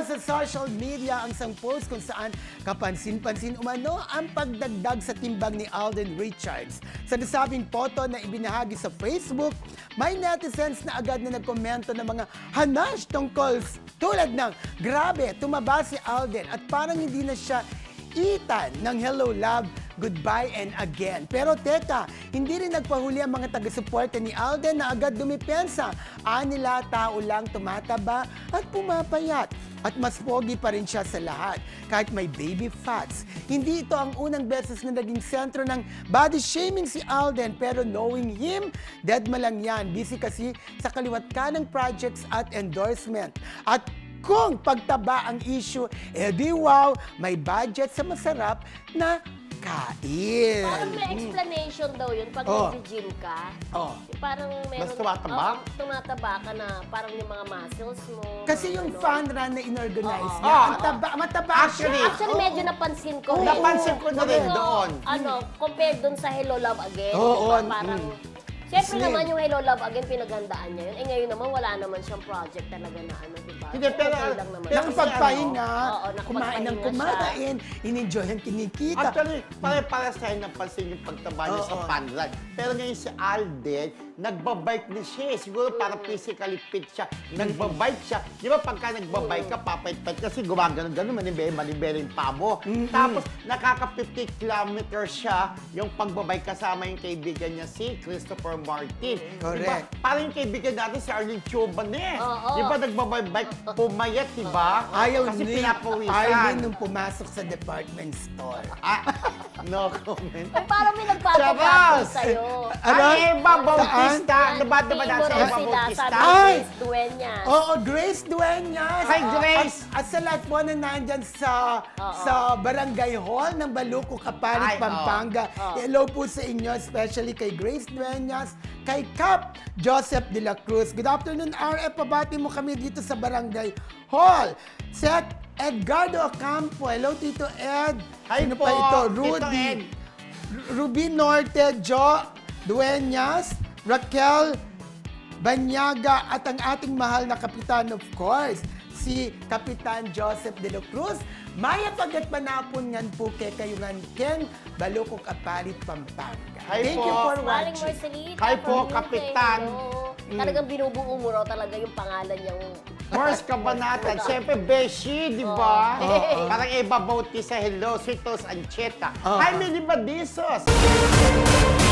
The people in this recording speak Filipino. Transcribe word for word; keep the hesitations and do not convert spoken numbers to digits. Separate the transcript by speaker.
Speaker 1: sa social media ang isang post kung saan kapansin-pansin umano ang pagdagdag sa timbang ni Alden Richards. Sa nasabing photo na ibinahagi sa Facebook, may netizens na agad na nagkomento ng mga hanash tungkol tulad ng, grabe, tumaba si Alden at parang hindi na siya itan ng hello, love, goodbye, and again. Pero teka, hindi rin nagpahuli ang mga taga-suporta ni Alden na agad dumipensa. Anila, tao lang tumataba at pumapayat. At mas pogi pa rin siya sa lahat, kahit may baby fats. Hindi ito ang unang beses na naging sentro ng body shaming si Alden, pero knowing him, dead ma lang yan. Busy kasi sa kaliwat kanang projects at endorsement. At kung pagtaba ang issue, edi wow, may budget sa masarap na kain.
Speaker 2: Parang may explanation daw yun pag
Speaker 1: Oh.
Speaker 2: nag-gym ka.
Speaker 1: Oh.
Speaker 2: Parang meron...
Speaker 3: Mas tumataba?
Speaker 2: Oo, tumataba ka na parang yung mga muscles mo.
Speaker 1: Kasi yung
Speaker 2: ano.
Speaker 1: fun run na inorganize
Speaker 2: Oo.
Speaker 1: niya,
Speaker 3: Oo.
Speaker 1: ang taba, mataba
Speaker 3: Actually,
Speaker 1: siya.
Speaker 2: Actually,
Speaker 1: Oo.
Speaker 2: medyo napansin ko.
Speaker 1: Oo.
Speaker 3: Napansin ko na rin
Speaker 2: Pero,
Speaker 3: doon.
Speaker 2: Ano, compared doon sa Hello Love Again,
Speaker 1: Oo,
Speaker 2: diba,
Speaker 1: mm.
Speaker 2: parang... Siyempre
Speaker 1: Slim.
Speaker 2: naman yung Hello Love Again, pinagandaan niya yun. Eh ngayon naman, wala naman siyang project talaga na ano, diba?
Speaker 3: Hindi, pero-
Speaker 2: Okay lang naman.
Speaker 3: pero-
Speaker 1: Nakapagpahinga,
Speaker 2: Oo,
Speaker 1: kumain ng
Speaker 2: nakapagpahinga
Speaker 1: kumain, in-enjoy ang kinikita.
Speaker 3: Actually, pare-para sa akin napansin yung pagtaba niya
Speaker 1: Oo.
Speaker 3: sa panran. Pero ngayon si Alden, nagbabike na siya. eh. Siguro para physically fit siya. Nagbabike siya. Di ba pagka nagbabike ka, papait-pait kasi gumagano-gano, manibere, manibere yung pamo. Tapos nakaka-fifty kilometers siya yung pagbabike kasama yung kaibigan niya si Christopher Martin.
Speaker 1: Correct.
Speaker 3: Diba? Parang yung kaibigan natin si Arlene Chuban eh.
Speaker 2: Oo.
Speaker 3: Di ba nagbabike, pumayat, di ba?
Speaker 1: Ayaw
Speaker 3: Kasi
Speaker 1: ni
Speaker 3: pinapawisan.
Speaker 1: Arlene nung pumasok sa department store.
Speaker 3: Ah, no comment.
Speaker 2: Ay, parang may nagpapagapit
Speaker 3: Charot!
Speaker 2: sa'yo.
Speaker 1: Ano?
Speaker 3: Ay, Eva Bautista.
Speaker 2: Yan,
Speaker 3: Diba, diba
Speaker 2: team
Speaker 3: na
Speaker 2: mo
Speaker 3: sa
Speaker 2: rin
Speaker 3: Eva
Speaker 2: sila,
Speaker 3: Bautista?
Speaker 2: sabi ni
Speaker 1: Ay!
Speaker 2: Grace Dueñas.
Speaker 1: Oo, Grace Dueñas.
Speaker 3: Hi, Grace!
Speaker 1: At, at sa lahat po na nandyan sa,
Speaker 2: Oo.
Speaker 1: sa Barangay Hall ng Baluco, Kapalit,
Speaker 3: Ay,
Speaker 1: Pampanga.
Speaker 2: oo.
Speaker 1: Hello po sa inyo, especially kay Grace Dueñas, kay Cap Joseph de la Cruz. Good afternoon, R F. Pabati mo kami dito sa Barangay Hall. Seth Edgardo Ocampo. Hello, Tito Ed.
Speaker 3: Hi
Speaker 1: Sino
Speaker 3: po,
Speaker 1: pa ito?
Speaker 3: Tito
Speaker 1: Rudy.
Speaker 3: Ed.
Speaker 1: Ruby Norte, Jo Dueñas, Raquel Banyaga at ang ating mahal na kapitan, of course, si Kapitan Joseph de la Cruz. Maya pagat manapungan po kay kayungan Ken Balukok Apalit, Pampanga.
Speaker 3: Hi
Speaker 1: Thank
Speaker 3: po.
Speaker 1: you for
Speaker 2: Maling
Speaker 1: watching.
Speaker 2: Marcelita.
Speaker 3: Hi po,
Speaker 2: from U K,
Speaker 3: Kapitan.
Speaker 2: hello. Talagang binubuo mo raw talaga yung pangalan niyang...
Speaker 3: Mars Kabanatan. Siyempre, Beshi, di ba?
Speaker 2: Oo.
Speaker 3: Parang Eva Bautista, hello, Sweetos Ancheta.
Speaker 1: Oo.
Speaker 3: Hi, Millie Badizos.